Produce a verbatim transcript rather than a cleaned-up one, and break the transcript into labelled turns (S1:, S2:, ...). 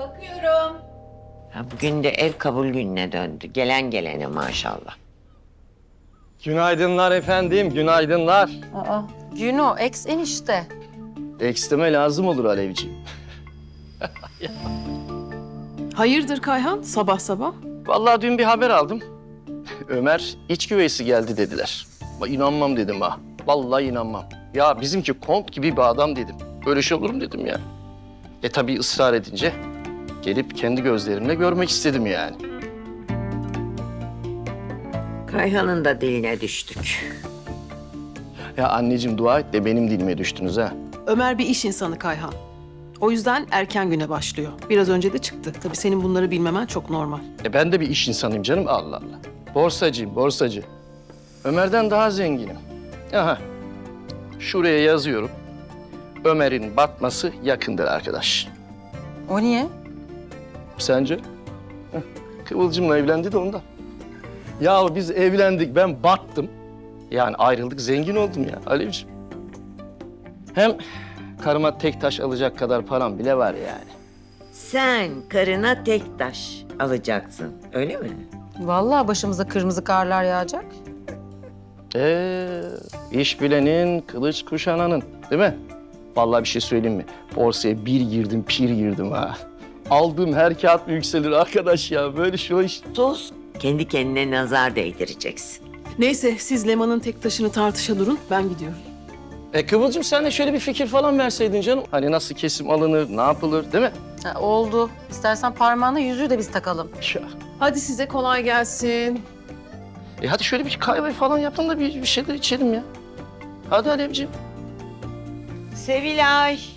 S1: Bakıyorum.
S2: Ha, bugün de ev kabul gününe döndü. Gelen gelene maşallah.
S3: Günaydınlar efendim, günaydınlar.
S4: Aa, Güno, ex enişte.
S3: Eksteme lazım olur Alevciğim.
S5: Hayırdır Kayhan sabah sabah?
S3: Vallahi dün bir haber aldım. Ömer iç güveysi geldi dediler. Ama inanmam dedim ha. Vallahi inanmam. Ya bizimki kont gibi bir adam dedim. Böyle şey olur mu dedim ya. E tabii ısrar edince gelip kendi gözlerimle görmek istedim yani.
S2: Kayhan'ın da diline düştük.
S3: Ya anneciğim dua et de benim dilime düştünüz ha.
S5: Ömer bir iş insanı Kayhan. O yüzden erken güne başlıyor. Biraz önce de çıktı. Tabii senin bunları bilmemen çok normal.
S3: E ben de bir iş insanıyım canım, Allah Allah. Borsacıyım, borsacı. Ömer'den daha zenginim. Aha, şuraya yazıyorum. Ömer'in batması yakındır arkadaş.
S4: O niye?
S3: Sence? Heh, Kıvılcım'la evlendi de ondan. Ya biz evlendik, ben battım. Yani ayrıldık, zengin oldum ya Alevciğim. Hem karıma tek taş alacak kadar param bile var yani.
S2: Sen karına tek taş alacaksın, öyle mi?
S4: Vallahi başımıza kırmızı karlar yağacak.
S3: Ee, iş bilenin, kılıç kuşananın, değil mi? Vallahi bir şey söyleyeyim mi? Borsaya bir girdim, pir girdim ha. Aldığım her kağıt yükselir arkadaş ya. Böyle şu iş.
S2: Sus, kendi kendine nazar değdireceksin.
S5: Neyse siz Leman'ın tek taşını tartışa durun. Ben gidiyorum.
S3: E Kıvılcım sen de şöyle bir fikir falan verseydin canım. Hani nasıl kesim alınır, ne yapılır, değil mi?
S4: Ha, oldu. İstersen parmağına yüzüğü de biz takalım.
S3: Ya.
S5: Hadi size kolay gelsin.
S3: E hadi şöyle bir kahve falan yapın da bir, bir şeyler içelim ya. Hadi Alevciğim.
S2: Sevilay.